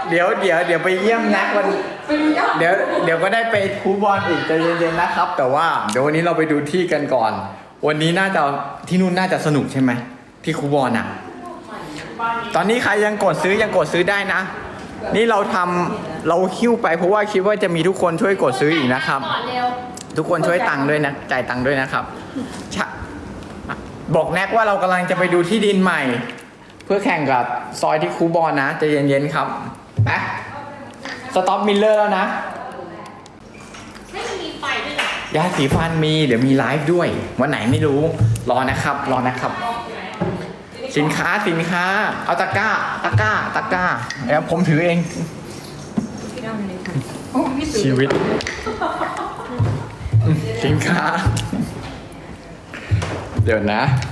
ยวไปเยี่ยมนักวันเดี๋ยวก็ได้ไปคูบอลอีกใจเย็นๆนะครับ แต่ว่าเดี๋ยววันนี้เราไปดูที่กันก่อน วันนี้น่าจะที่นู่นน่าจะสนุกใช่ไหมที่คูบอลอ่ะตอนนี้ใครยังกดซื้อได้นะ นี่เราคิ้วไปเพราะว่าคิดว่าจะมีทุกคนช่วยกดซื้ออีกนะครับ ทุกคนช่วยตังค์ด้วยนะจ่ายตังค์ด้วยนะครับบอกแน็กว่าเรากำลังจะไปดูที่ดินใหม่ เพื่อแข่งกับซอยที่คูบอลนะใจเย็นๆครับไปสต็อปมิลเลอร์แล้วนะให้มันมีไฟด้วยเหรอยาสีฟันมีเดี๋ยวมีไลฟ์ด้วยวันไหนไม่รู้รอนะครับสินค้าเอาตะกร้าเดี๋ยวผมถือเองชีวิตสินค้าเดี๋ยวนะ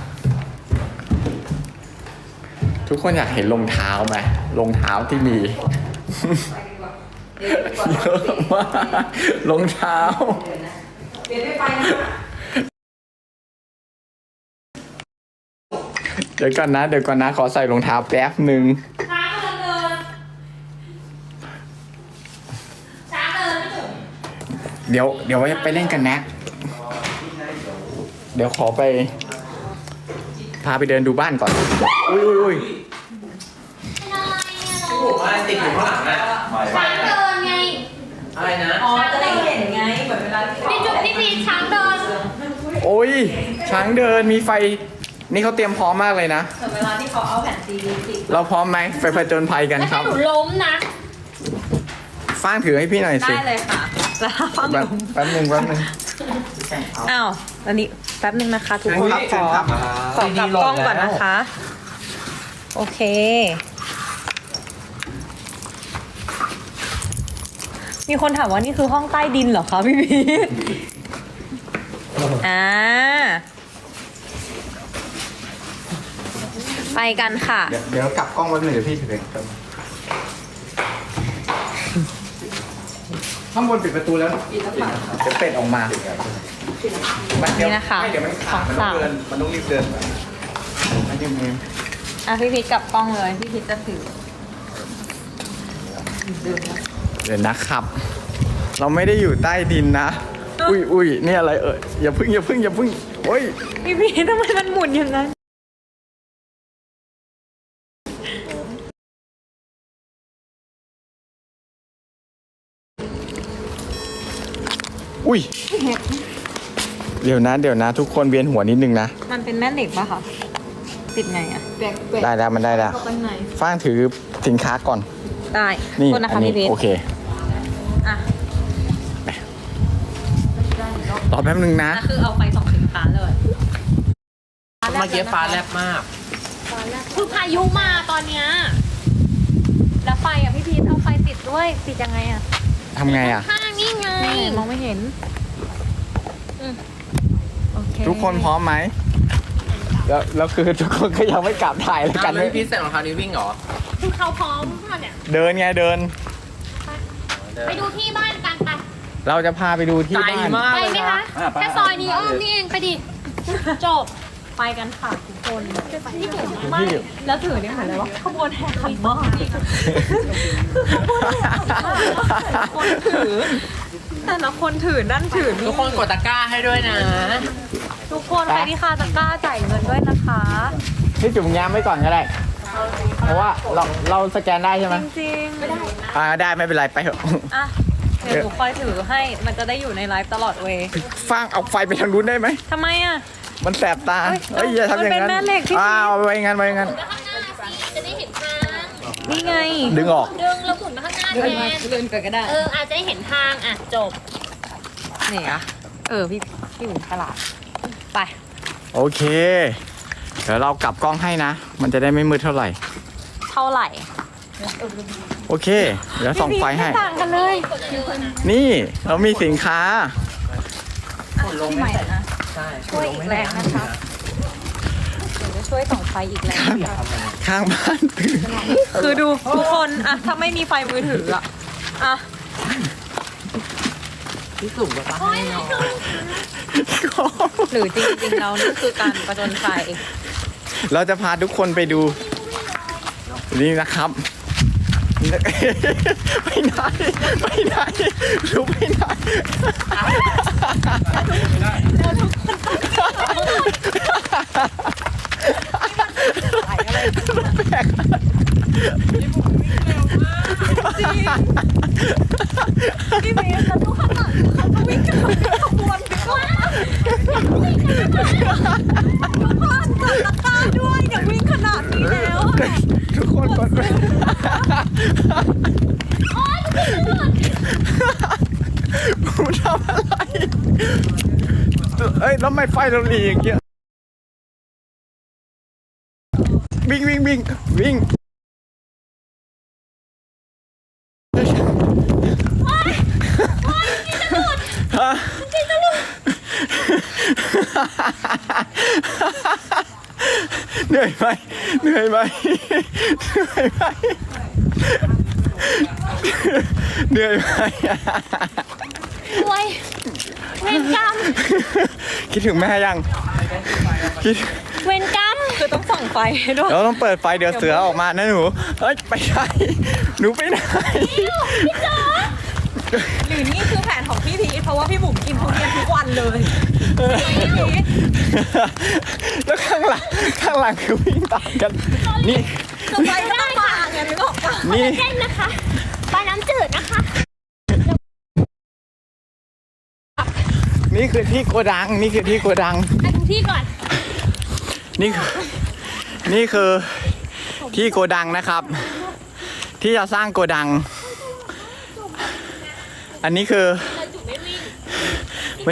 ทุกคนอยากเห็นรองเท้าไหมรองเท้าที่มีเยอะมากรองเท้าเดี๋ยวก่อนนะขอใส่รองเท้าแป๊บหนึ่งเดี๋ยวไปเล่นกันนะเดี๋ยวขอไปพาไปเดินดูบ้านก่อนอุ้ยผมอะไรติดอยู่ข้างหลังน่ะช้างเดินไงอะไรนะอ๋อจะได้เห็นไงเหมือนเวลาที่พี่จุ๊บพี่ช้างเดินโอ้ยช้างเดินมีไฟนี่เขาเตรียมพร้อมมากเลยนะเหมือนเวลาที่เขาเอาแผ่นซีดีติดเราพร้อมไหมไปผจญภัยกันครับแล้วถ้าหนูล้มนะฟ้างถือให้พี่หน่อยสิได้เลยค่ะแล้วฟังผมแป๊บนึงอ้าวอันนี้แป๊บนึงนะคะทุกคนขอกลับกล้องก่อนนะคะโอเคมีคนถามว่านี่คือห้องใต้ดินเหรอคะพี่พีทไปกันค่ะเดี๋ยวกลับกล้องไว้หน่อยเดี๋ยวพี่ถือเองข้างบนปิดประตูแล้วจะเป็ดออกมานี่นะคะของสาวมันต้องรีบเดินพี่พีทกลับกล้องเลยพี่พีทจะถือเดี๋ยวนะครับเราไม่ได้อยู่ใต้ดินนะอุ้ยนี่อะไรอย่าพึ่งโอ้ยพี่พีททำไมมันหมุนอย่างนั้นอุ้ยเดี๋ยวนะทุกคนเวียนหัวนิดนึงนะมันเป็นแม่เหล็กป่ะคะติดไงอ่ะได้แล้วมันได้แล้วฟ้างถือสินค้าก่อนได้นี่คนนะคะพี่พีทโอเครอแป๊บนึงนะคือเอาไฟส่องสินค้าเลยเมื่อกี้ฟ้าแลบมากคือพายุมาตอนเนี้ยแล้วไฟอ่ะพี่พีทเอาไฟติดด้วยติดยังไงอ่ะทำไงอ่ะข้างนี่ไงมองไม่เห็นทุกคนพร้อมไหมแล้วคือทุกคนก็ยังไม่กลับถ่ายแล้วกันไม่พี่ใส่รองเท้านี้วิ่งเหรอคือเขาพร้อมค่ะเนี่ยเดินไงเดินไปดูที่บ้านกันไปเราจะพาไปดูที่บ้านไปไหมคะแค่ซอยนี้นี่เองไปดิจบไปกันค่ะทุกคนนี่ถือไม่แล้วถือเนี่ยเหมือนอะไรวะขบวนแห่ขันหม้อคนถือแต่ละคนถือด้านถือทุกคนกดตะกร้าให้ด้วยนะทุกคนใครที่คาตะกร้าจ่ายเงินด้วยนะคะพี่จุ๋มแง้มไว้ก่อนก็ได้เพราะว่าเราสแกนได้ใช่ไหมจริงไม่ได้ได้ไม่เป็นไรไปเถอะเดี๋ยวหนูคอยถือให้มันจะได้อยู่ในไลฟ์ตลอดเวย์ฟ้างเอาไฟไปทางนู้นได้ไหมทำไมอ่ะมันแสบตาอย่าทำอย่างนั้นไว้งั้นจะได้เห็นทางนี่ไงดึงออกดึงแล้วหมุนมาข้างหน้าแทนเดินก็ได้อาจจะได้เห็นทางจบนี่อ่ะพี่หมุนตลาดไปโอเคเดี๋ยวเรากลับกล้องให้นะมันจะได้ไม่มืดเท่าไหร่โอเคเดี๋ยวส่องไฟให้ต่างกันเลยนี่เรามีสินค้าใหม่นะช่วยอีกแรงนะคะเดี๋ยวจะช่วยส่องไฟอีกแรงข้างบ้านคือดูทุกคนถ้าไม่มีไฟมือถือพี่สุ่มก็ตั้งให้น้องหรือจริงๆเรานี่คือการประจนไฟเราจะพาทุกคนไปดูนี่นะครับไปไหนไปไหนรู้ไปไหนแปลกพี่เมย์แล้วทุกข้างหลังเขาก็วิ่งกันขบวนไปก่อนทุกคนกดตะกร้าด้วยอย่าวิ่งขนาดนี้แล้วอะทุกคนกดไปกูทำอะไรเอ้ยแล้วไม่ไฟเราหลีอย่างเงี้ยวิ่งวิ่งวิ่งวิ่งฮะเหนื่อยไหมเหนื่อยไหมเหนื่อยไหมเหนื่อยไหมโวยเวรกรรมคิดถึงแม่ยังคิดเวรกรรมคือต้องส่องไฟให้ด้วยเราต้องเปิดไฟเดี๋ยวเสือออกมานะหนูเฮ้ยไปไหนหนูไปไหนหรือนี่คือแผนของพี่พีชเพราะว่าพี่บุ๋มกินทุเรียนทุกวันเลยพี่พีชแล้วข้างหลังคือวิ่งตามกันนี่จะไปไม่ต้องมาไงไม่ต้องมานี่เส้นนะคะปลาน้ำจืดนะคะนี่คือที่โกดังนี่คือที่โกดังไปดูที่ก่อนนี่คือที่โกดังนะครับ ที่จะสร้างโกดัง อันนี้คือเราจุดไม่วิ่งไม่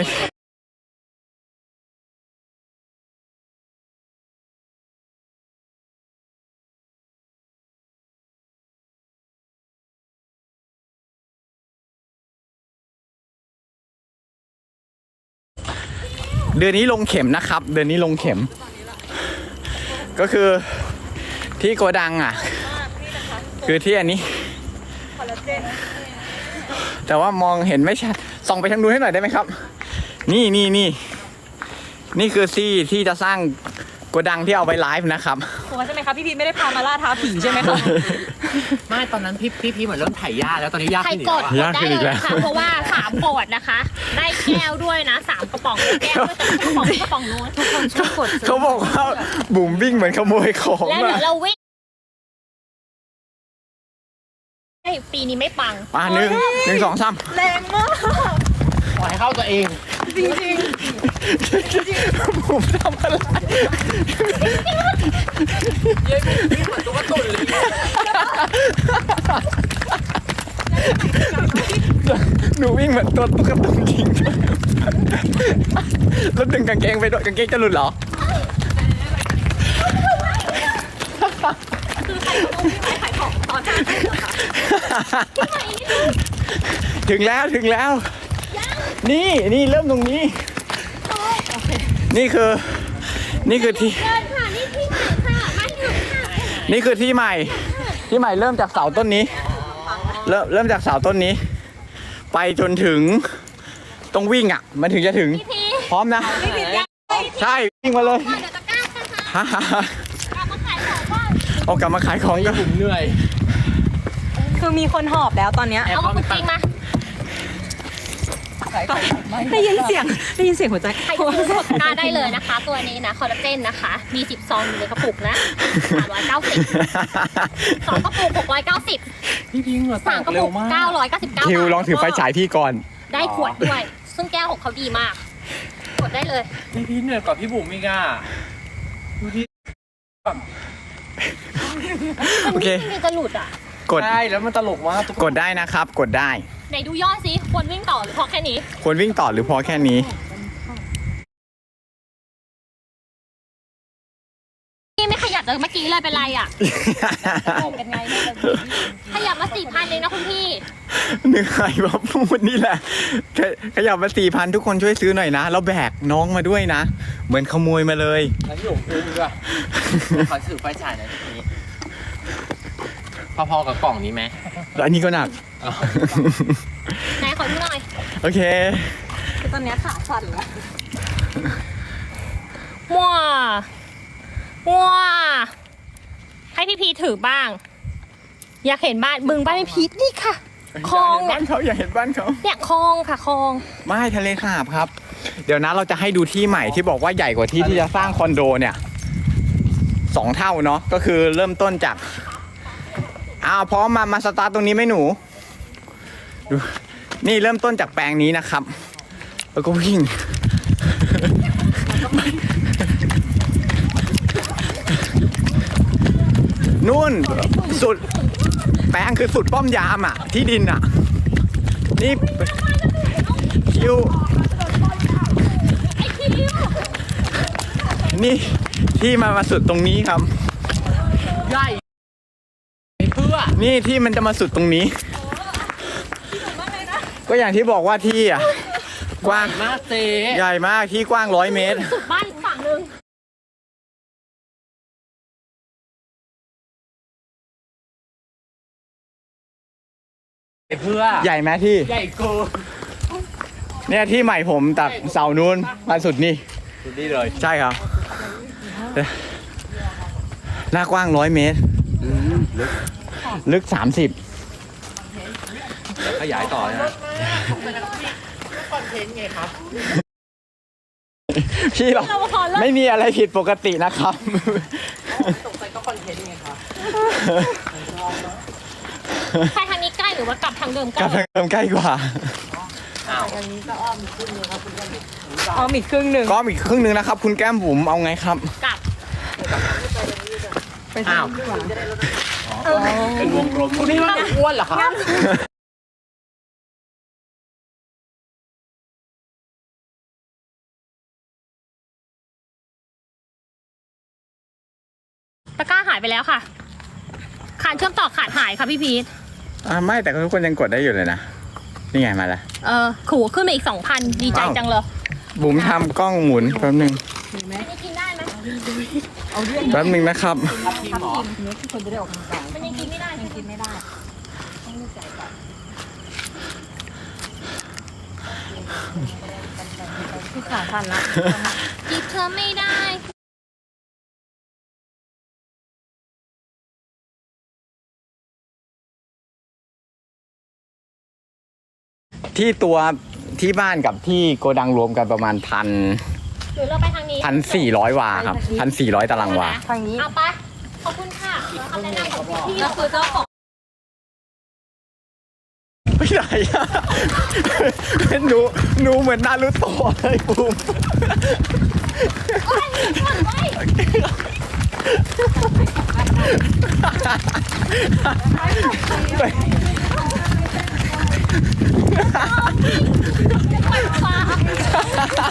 เดือนนี้ลงเข็มนะครับ เดือนนี้ลงเข็ม ก็คือที่โกดังอ่ะ คือที่อันนี้ แต่ว่ามองเห็นไม่ชัดส่องไปทางนู้นให้หน่อยได้ไหมครับ นี่คือที่จะสร้างโกดังที่เอาไว้ไลฟ์นะครับถูกใช่ไหมคะพี่พีชไม่ได้พามาล่าท้าผีใช่ไหมคะไม่ตอนนั้นพี่เหมือนเริ่มถ่ายยากแล้วตอนนี้ยากใครขึ้นอีกกดแล้วอะกดได้เลยนะคะเพราะว่า3กดนะคะ ได้แก้วด้วยนะ3กระป๋องแก้วด้วยแต่กระป๋องนู้นทุกคนช่วยกดเขาบอกว่าบุ๋มวิ่งเหมือนขโมยของแล้วเดี๋อะยวเราวิ่งปีนี้ไม่ปังมาหนึ่งสองสามแรงมากปล่อยให้เข้าตัวเองจริงบุ๋มทำอะไรพี่เหมือนตัวตุ่นเลยหนูวิ่งเหมือนตัวตุ๊กตาจริงแล้วดึงกางเกงไปด้วยกางเกงจะหลุดเหรอคือใครก็ต้องวิ่งไปขายของตอนนั้นเหรอคะถึงแล้วนี่เริ่มตรงนี้ นี่คือที่เดินค่ะนี่ที่ไหนค่ะมาถึงค่ะนี่คือที่ใหม่เริ่มจากเสาต้นนี้ เริ่มจากเสาต้นนี้ ไปจนถึงต้องวิ่งอ่ะ มันถึงจะถึงพี่พีพร้อมนะพี่พีชยังใช่วิ่งมาเลยเดี๋ยวตะกร้าค่ะกลับมาขายของก่อนเอากลับมาขายของกันผมเหนื่อยคือมีคนหอบแล้วตอนเนี้ยเอามาจริงมาได้ยินเสียงหัวใจใครจะซื้อกดตะกร้าได้เลยนะคะ ตัวนี้นะคอลลาเจนนะคะ มี10ซองอยู่ในกระปุกนะ390 2กระปุก690 พี่พิงเหงื่อแต 3 กกระเร็ปุวกมาก 999 คิวลองถือไฟฉายพี่ก่อนได้ขวดด้วย ซึ่งแก้วของเขาดีมาก กดได้เลยพี่พิงเหนื่อยกว่าพี่บุ๋มอีกอ่ะดูที่โอเคมันจะหลุดอ่ะกดใช่แล้วมันตลกมากกดได้นะครับ กดได้ไหนดูยอดสิควรวิ่งต่อหรือพอแค่นี้ควรวิ่งต่อหรือพอแค่นี้พี่ไม่ขยับเลยเมื่อกี้เลยเป็นไรอ่ะเป็นไงขยับมา4,000เลยนะคุณพี่เหนื่อยว่าพูดนี่แหละขยับมา4,000ทุกคนช่วยซื้อหน่อยนะแล้วแบกน้องมาด้วยนะ เหมือนขโมยมาเลยแล้วพี่บุ๋มอุ้มด้วยขอสื่อไฟฉายหน่อยทีนี้พอๆกับกล่องนี้ไหมแล้วอันนี้ก็หนักไหนขอดูหน่อยโอเคคือตอนเนี้ยขาสั่นแล้วว้าให้พี่พีถือบ้างอยากเห็นบ้านบึงบ้านพี่พีทนี่ค่ะคลองบ้านเขาอยากเห็นบ้านเขาเนี่ยคลองค่ะคลองไม่ทะเลสาบครับ เดี๋ยวนะเราจะให้ดูที่ใหม่ที่บอกว่าใหญ่กว่าที่ที่จะสร้างคอนโดเนี่ย2 เท่าเนาะก็คือเริ่มต้นจากพร้อมมาสตาร์ทตรงนี้ไหมหนูดูนี่เริ่มต้นจากแปลงนี้นะครับ แล้วก็วิ่ง นู่นสุดแปลงคือสุดป้อมยามที่ดินนี่คิวนี่ที่มาสุดตรงนี้ครับใหญ่เพื่อนี่ที่มันจะมาสุดตรงนี้ ก็อย่างที่บอกว่าที่กว้างมากเจ๊ใหญ่มากที่กว้าง100 เมตรสุดบ้านอีกฝั่งหนึ่งเพื่อใหญ่ไหมที่ใหญ่กูเนี่ยที่ใหม่ผมจากเสานู้นมาสุดนี่สุดนี่เลยใช่ครับหน้ากว้าง100 เมตร ลึก 30 ขยายต่อนะพี่หรอกไม่มีอะไรผิดปกตินะครับใครทางนี้ใกล้หรือว่ากลับทางเดิมใกกลัล้บทางเดิมใกล้กว่าเอาอีกครึ่งหนึ่งก็อีกครึ่งนึงนะครับ คุณแก้มบุ๋มเอาไงครับกลับอ้าวเป็นวงกลมคุณนี่ว่าอ้วนเหรอครับตะกร้าหายไปแล้วค่ะขาดเชื่อมต่อขาดหายค่ะพี่พีทไม่แต่ทุกคนยังกดได้อยู่เลยนะ นี่ไงมาแล้วขู่ขึ้นมาอีก 2,000 ดีใจจังเลยบุ๋มทำกล้องหมุนแป๊บนึงอันนี้กินได้ไหมแป๊บนึงนะครับมันยังกินไม่ได้ยังกินไม่ได้ที่ขาสั่นละจีบเธอไม่ได้ที่ตัวที่บ้านกับที่โกดังรวมกันประมาณหรือเราไปทางนี้ 1,400 วาครับ 1,400 ตารางวาทางนี้เอาไป ขอบคุณค่ะคำแนะนำของพี่ก็คือเจ้าของไม่ไหนอะ หนูเหมือนนารูโตะเลยบุ๋มโอ้ยมีคนไว้ฟ้า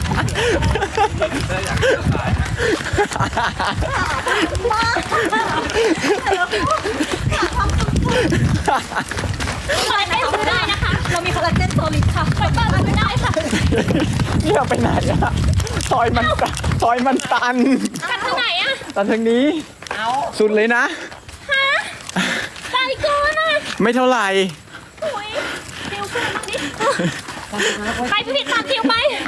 อะไรไม่ทำได้นะคะ เรามีคอลลาเจนโซลิดค่ะไปบ้านไม่ได้ค่ะเนี่ยไปไหนอะซอยมันตันกันทางไหนอะตันทางนี้ สุดเลยนะฮะไกลเกินอะไม่เท่าไหร่โอ้ยคิวขึ้นมาดิไปพี่ตามคิวไป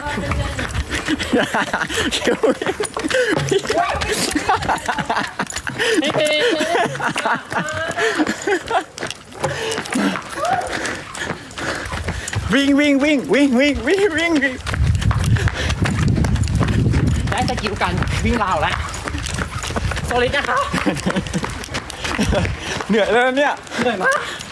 วิ่งได้สกิลการวิ่งราวแล้วโซลิดนะคะเหนื่อยแล้วเนี่ยเหนื่อยมาก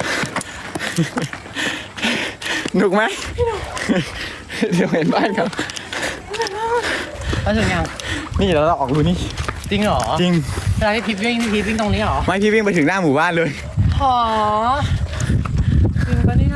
หนุกไหมเดี๋ยวเห็นบ้านครับแล้วถึงยังนี่เราออกรูนี่จริงเหรอจริงเวลาที่พีทวิ่งตรงนี้เหรอไม่พี่วิ่งไปถึงหน้าหมู่บ้านเลยหอจริงปะเนี่ย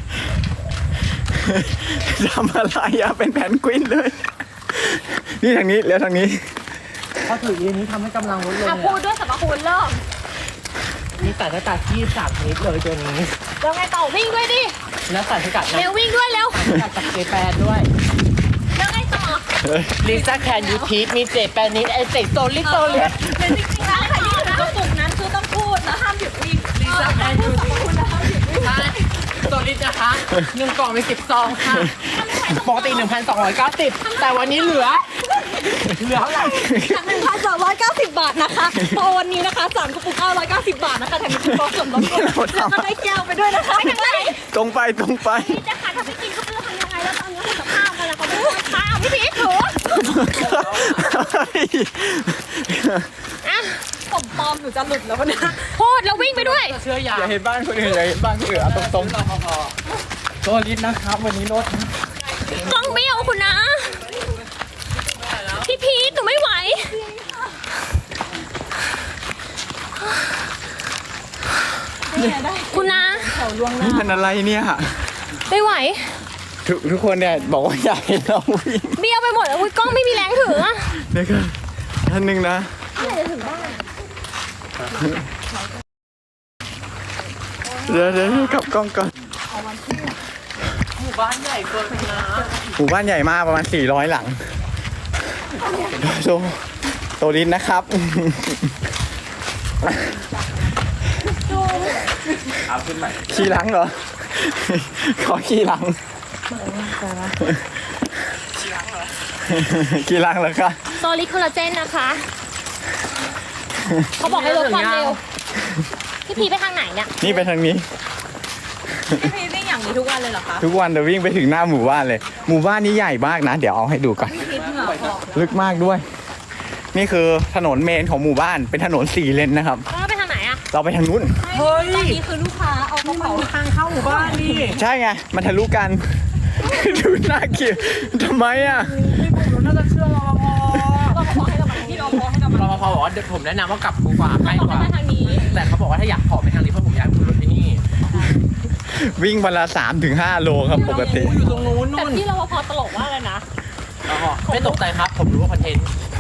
ทำอะไรอะเป็นแพนกวินเลย นี่ทางนี้แล้วทางนี้พอถือยืนนี้ทำให้กำลังลดลงอ่ะพูดด้วยสรรพคุณเริ่มมีสารสกัดที่3ชนิดเลยตัวนี้แล้วไงต่อวิ่งด้วยดิและสารสกัดเร็ววิ่งด้วยเร็วจากเจแปนด้วยแล้วไงต่อลิซ่าแคนยูทีสมีเจแปนนิดไอเจโซลิดจริงๆแล้วใครยืนกระปุกนั้นคือต้องพูดแล้วห้ามหยุดวิ่งลิซ่าแคนยูทีสใช่โซลิดนะคะ1 กล่องมี10 ซองค่ะปกติ 1,290 แต่วันนี้เหลือเหลือเท่าไหร่ 1,290 บาทนะคะโปรวันนี้นะคะ3กระปุก990 บาทนะคะแถมมีคูปองส่วนลดด้วยแล้วก็ได้แก้วไปด้วยนะคะตรงไปพี่จะขาดถ้าไม่กินก็ไม่รู้ทำยังไงแล้วตอนนี้คุณกับข้าวกันแล้วเขาไม่ได้ข้าวพี่พีชถืออ่ะผมปลอมหนูจะหลุดแล้วเนี่ยพูดแล้ววิ่งไปด้วยเชื่อยาอย่าเห็นบ้านคนอื่นอย่าเห็นบ้านคนอื่นเอาตรงๆตัวลิตนะครับ วันนี้รถกล้องไม่เอาคุณนะ พี่พีชหนูไม่ไหว คุณนะนี่มันอะไรเนี่ยไม่ไหวทุกคนเนี่ยบอกว่าอยากเห็นเราวิ่งเบี้ยวไปหมดแล้วอุ๊ยกล้องไม่มีแรงถืออะเดี๋ยวก่อนท่านหนึ่งนะเดี๋ยวกลับกล้องก่อนหมู่บ้านใหญ่เกินนะหมู่บ้านใหญ่มากประมาณ400 หลังโตลินนะครับเอาขึ้นใหม่ขี่หลังเหรอ ขอขี่หลังขี่หลังเหรอคะโซลิดคอลลาเจนนะคะ เขาบอกให้ลดความเร็ว พี่พีชไปทางไหนเนี่ยนี่ไปทางนี้พี่พีวิ่งอย่างนี้ทุกวันเลยเหรอคะทุกวันจะวิ่งไปถึงหน้าหมู่บ้านเลย หมู่บ้านนี้ใหญ่มากนะ เดี๋ยวเอาให้ดูก่อนพี่พีเหงื่อออกลึกมากด้วย นี่คือถนนเมนของหมู่บ้าน เป็นถนน4 เลนนะครับแล้วไปทางไหนอะเราไปทางนู้นเฮ้ยตอนนี้คือลูกค้าเอากระเป๋าทางเข้าหมู่บ้านนี่ใช่ไง มันทะลุกัน ดูน่าเกลียดทำไมอ่ะน่าจะเชื่อรปภเราพอให้เรามาที่เราพอให้เรามารปภบอกว่าเดี๋ยวผมแนะนำว่ากลับกูกว่าใกล้บอกกว่าให้มาทางนี้แต่เขาบอกว่าถ้าอยากขอไปทางนี้เพราะผมอยากให้คุณรถที่นี่วิ่งวันละ3-5 โลครับปกติอยู่ตรงนู้นแต่นู่นพี่รปภตลกมากเลยนะไม่ตกใจครับ ผมรู้ว่าคอนเทนต์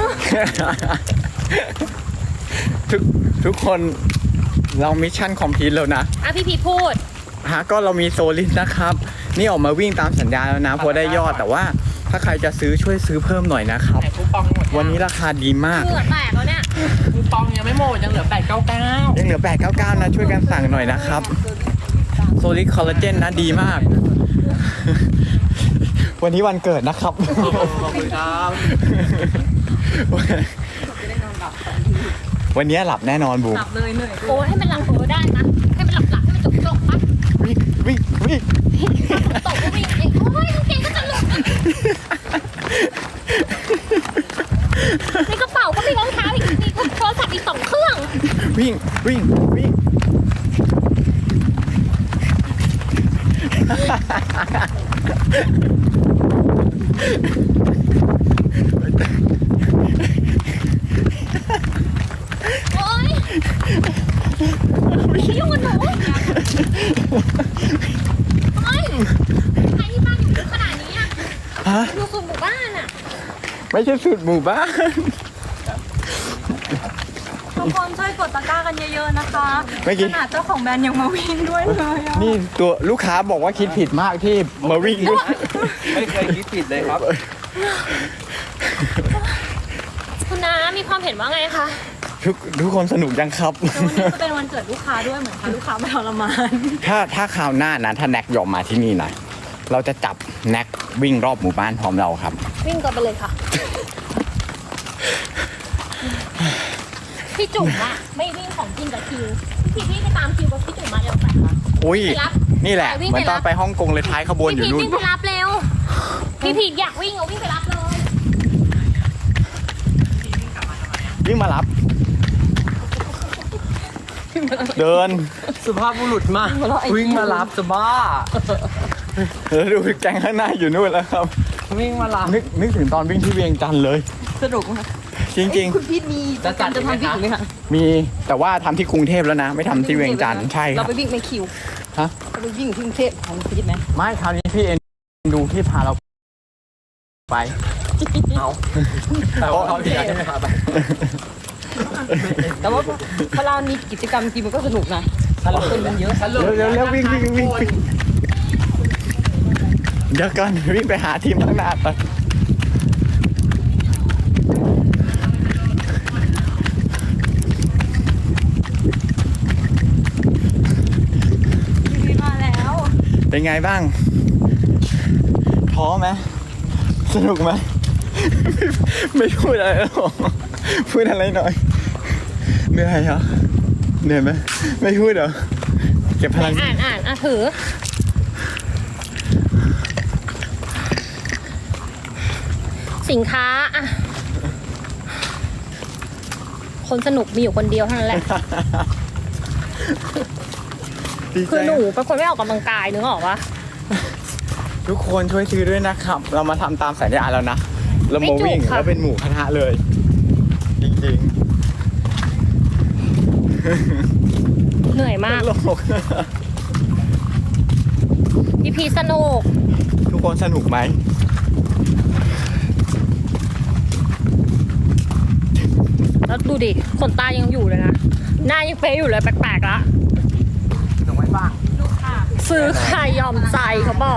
ทุกคนเรามิชชั่นคอมพลีทแล้วนะอ่ะพี่พีชพูดก็เรามีโซลิดนะครับ นี่ออกมาวิ่งตามสัญญาแล้วนะเพราะได้ยอดแต่ว่าถ้าใครจะซื้อช่วยซื้อเพิ่มหน่อยนะครับแต่คูปองหมดวันนี้ราคาดีมากเหงื่อแตกแล้วเนี่ยคูปองยังไม่หมดยังเหลือ899 ยังเหลือ899นะช่วยกันสั่งหน่อยนะครับโซลิดคอลลาเจนนะดีมาก วันนี้วันเกิดนะครับขอบคุณครับวันนี้หลับแน่นอนบูมหลับเลยเหนื่อยโอ้ให้มันหลับได้นะให้มันหลับให้มันจบปะวิ่งตกก็วิ่งเองโอ้ยกางเกงก็จะหลุดในกระเป๋าก็มีรองเท้าอีกมีโทรศัพท์อีก2 เครื่องวิ่งโอ๊ยไม่ยุ่งกับหนูโอ๊ยใครที่บ้านอยู่ลึกขนาดนี้อะฮะอยู่สุดหมู่บ้านอะไม่ใช่สุดหมู่บ้านทุกคนช่วยกดตะกร้ากันเยอะๆนะคะเมื่อกี้ขนาดเจ้าของแบรนด์ยังมาวิ่งด้วยเลยอะนี่ตัวลูกค้าบอกว่าคิดผิดมากที่มาวิ่งด้วยไม่เคยคิดผิดเลยครับคุณน้ามีความเห็นว่าไงคะทุกคนสนุกยังครับแล้ววันนี้ก็เป็นวันเกิดลูกค้าด้วยเหมือนพาลูกค้ามาทรมานถ้าคราวหน้านะถ้าแน็กยอมมาที่นี่นะเราจะจับแน็กวิ่งรอบหมู่บ้านพร้อมเราครับวิ่งก่อนไปเลยค่ะ พี่จุ๋มอะไม่วิ่งของจริงกับคิวพี่ไปตามคิวกับพี่จุ๋มมาเร็วไปอุ้ยไปรับนี่แหละไปวิ่งเหมือนไปตรัอบ นไปฮ่องกงเลยท้ายขบวนอยู่พี่นู่นวิ่งไปรับเร็ว พี่พีอยากวิ่งเอาวิ่งไปรับเลยวิ่งมารับ เดินสุภาพบุรุษมากวิ่งมารับจะบ้าดูแกงข้างหน้าอยู่นู่นแล้วครับวิ่งมารับนึกถึงตอนวิ่งที่เวียงจันทร์เลยสนุกมากจริงคุณพี่มีจะจัดจะทำวิ่งไหมคะๆ มีแต่ว่าทำที่กรุงเทพแล้วนะ ไม่ทำที่เวียงจันทร์ใช่คเรารับไปวิ่งในคิวฮะเราไปวิ่งที่กรุงเทพของคุณพี่ไหมไม่คราวนี้พี่เอ็นดูที่พาเราไปเอาแต่ว่าเขาเดียวใช่ไหมครับแต่ว่าเวลามีกิจกรรมจริงมันก็สนุกนะสรุปคนมันเยอะสรุปเร็ววิ่งเดี๋ยวก่อนวิ่งไปหาทีมข้างหน้าไปพี่มาแล้วเป็นไงบ้าง ท้อไหมสนุกไหมไม่พูดอะไรหรอกพูดอะไรหน่อยเหนื่อยเหรอเหนื่อยไหมไม่พูดเหรอเก็บพลังอ่านถือ สินค้าอ่ะคนสนุกมีอยู่คนเดียวเท่านั้นแหละดีใจคือหนูเป็นคนไม่ออกกำลังกายนึกออกปะทุกคนช่วยซื้อด้วยนะครับ เรามาทำตามสัญญาแล้วนะเรามาวิ่งไม่จุกค่ะแล้วเป็นหมู่คณะเลย จริงเหนื่อยๆมากตลกพี่พีชสนุกทุกคนสนุกไหมแล้วดูดิขนตายังอยู่เลยนะ หน้ายังเป๊ะอยู่เลยแปลกๆละสนุกไหมบ้างซื้อใครยอมใจเขาบอก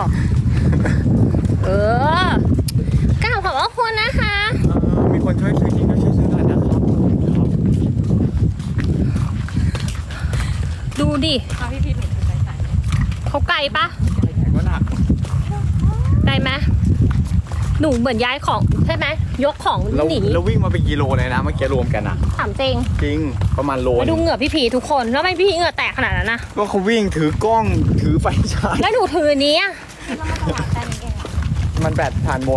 กล่าวขอบพระคุณนะคะมีคนช่วยซื้อจริงก็ช่วยซื้อหน่อยนะครับดูดิเขาไกลปะก็หนักไกลไหมหนูเหมือนย้ายของใช่ไหมยกของเราหนีเราวิ่งมาเป็นกิโลเลยนะเมื่อกี้รวมกันอะถามจริงจริงประมาณโลมาดูเหงื่อพี่พีทุกคนแล้วทำไมพี่พีเหงื่อแตกขนาดนั้นนะก็เขาวิ่งถือกล้องถือไฟฉายแล้วหนูถืออันนี้อะมันแบตผ่านหมด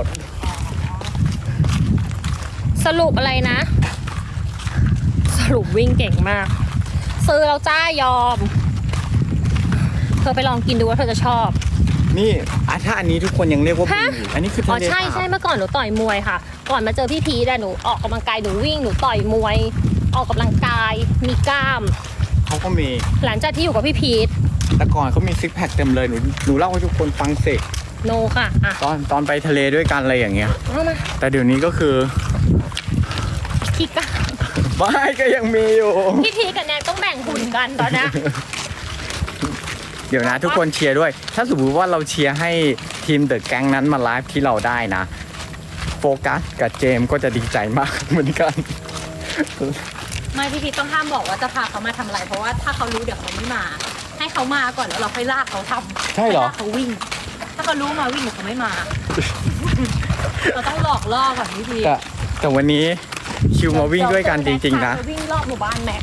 สรุปอะไรนะ สรุปวิ่งเก่งมาก ซื้อแล้วจ้ายอม เธอไปลองกินดูว่าเธอจะชอบนี่ถ้าอันนี้ทุกคนยังเรียกว่าฮะวิ่งอยู่อันนี้คืออ๋ทะอเลใช่สาใช่บเมื่อก่อนหนูต่อยมวยค่ะ ก่อนมาเจอพี่พีทหนูออกกำลังกายหนูวิ่งหนูต่อยมวย ออกกำลังกายมีกล้ามเขาก็มีหลังจากที่อยู่กับพี่พีทแต่ก่อนเขามีซิกแพคเต็มเลยหนูเล่าให้ทุกคนฟังสิโนค่ะอ่ะตอนไปทะเลด้วยกันอะไรอย่างเงี้ยเอามาแต่เดี๋ยวนี้ก็คือขี้กล้ามไม่ก็ยังมีอยู่พี่พีทกับแนนต้องแบ่งหุ่นกันตอนเนี้ยเดี๋ยวนะทุกคนเชียร์ด้วย ถ้าสมมติว่าเราเชียร์ให้ทีมเดอะแก๊งนั้นมาไลฟ์ที่เราได้นะ โฟกัสกับเจมส์ก็จะดีใจมากเหมือนกันไม่พี่พีชต้องห้ามบอกว่าจะพาเขามาทำอะไร เพราะว่าถ้าเขารู้เดี๋ยวเขาไม่มา ให้เขามาก่อนแล้วเราค่อยลากเขาทำใช่เหรอลากเขาวิ่ง ถ้าเขารู้มาวิ่งเดี๋ยวเขาไม่มา เราต้องหลอกล่อก่อนพี่พีชแต่วันนี้คิวมาวิ่งด้วยกันจริงๆนะเดี๋ยววิ่งรอบหมู่บ้านแม็ก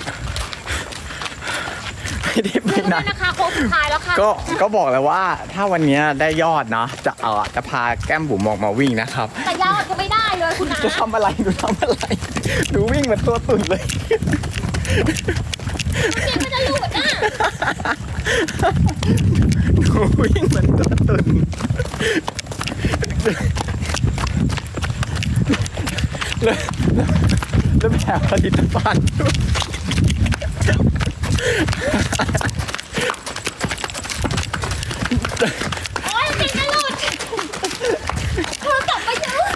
ไม่ได้ไปดูไหนด้วยนะคะโค้งสุดท้ายแล้วค่ะก็บอกเลยว่าถ้าวันนี้ได้ยอดเนาะจะพาแก้มบุ๋มออกมาวิ่งนะครับแต่ยาวจะไม่ได้เลยคุณนะจะทำอะไรหนูทำอะไรหนูวิ่งเหมือนตัวตุ่นเลยเดี๋ยวมันจะหลุดอ่ะหนูวิ่งเหมือนตัวตุ่นแล้วแถมผลิตภัณฑ์ด้วยโอ๊ยมันจะหลุดโทรศัพท์ไปเยอะ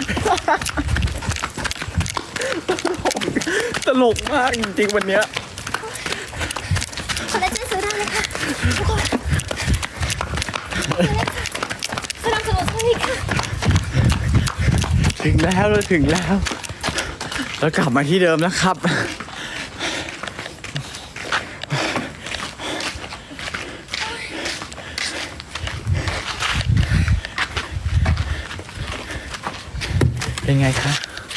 ตลกมากจริงๆวันเนี้ยคอลลาเจนซื้อได้เลยค่ะทุกคนสนับสนุนช่วยค่ะถึงแล้วเราถึงแล้วเรากลับมาที่เดิมแล้วครับ เป็นไงคะ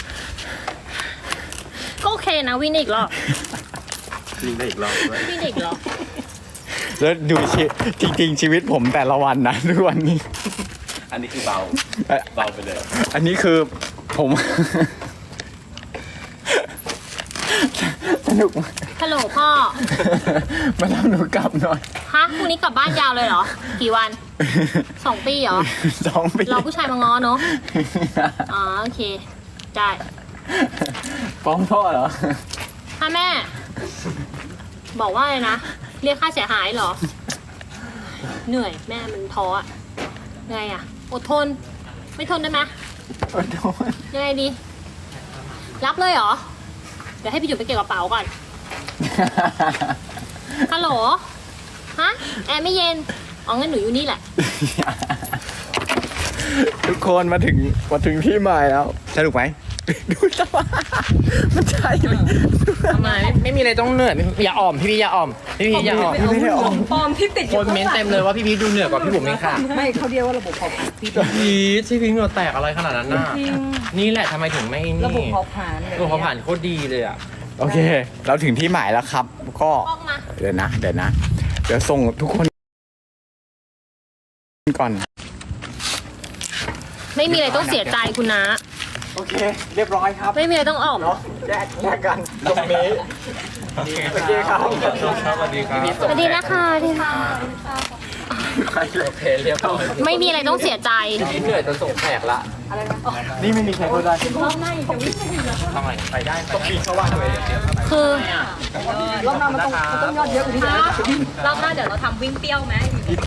ก็โอเคนะวิ่งอีกรอบวิ่งได้อีกรอบด้วยวิ่งอีกรอบแล้วดูจริงๆชีวิตผมแต่ละวันนะทุกวันนี้อันนี้คือเบาไปเลยอันนี้คือผม สนุกมากฮัลโหลพ่อมารับหนูกลับหน่อยฮะพรุ่งนี้กลับบ้านยาวเลยเหรอ กี่วัน 2 ปีเหรอ 2 ปีเราผู้ชายมาง้อเนอะอ๋อโอเค ได้ฟ้องพ่อเหรอถ้าแม่ บอกว่าอะไรนะ เรียกค่าเสียหายเหรอ เหนื่อยแม่มันท้ออะไงอะอดทน ไม่ทนได้ไหมโอ้โหยังไงดี รับเลยเหรอ เดี๋ยวให้พี่จุ๋มไปเก็บกระเป๋าก่อน ฮัลโหล ฮะ แอร์ไม่เย็น อ๋องั้นหนูอยู่นี่แหละทุกคนมาถึงที่หมายแล้วสนุกไหมดูสภาพมันใช่ไหมทำไมไม่มีอะไรต้องเหนื่อยอย่าอ่อมพี่อย่าอ่อมพี่อย่าอ่อมไม่ได้ออกปลอมที่ติดอคยู่นเม้นต์เต็มเลยว่าพี่ดูเหนื่อยกว่าพี่บุ๋มเองค่ะไม่เขาเรียกว่าระบบเผาผลาญพี่พี่เหงื่อแตกอะไรขนาดนั้นน่ะนี่แหละทำไมถึงไม่นี่ระบบเผาผลาญระบบเผาผลาญโคตรดีเลยอ่ะโอเค เราถึงที่หมายแล้วครับ ก็ออกมาเดี๋ยวนะ เดี๋ยวส่งทุกคนก่อนไม่มีอะไรต้องเสียใจคุณนะโอเค เรียบร้อยครับไม่มีอะไรต้องอ่อมเนาะแยกกันตรงนี้โอเคครับสวัสดีครับสวัสดีนะคะที่ค่ะโอเคเรียบร้อยไม่มีอะไรต้องเสียใจพี่เหนื่อยจนส่งแตกละนี่ไม่มีใครพูดได้ทำไมไปได้ต้องปีนเข้าบ้านเลยคือรอบหน้ามันต้องยอดเยอะกว่านี้นะรอบหน้าเดี๋ยวเราทำวิ่งเปรี้ยวไหม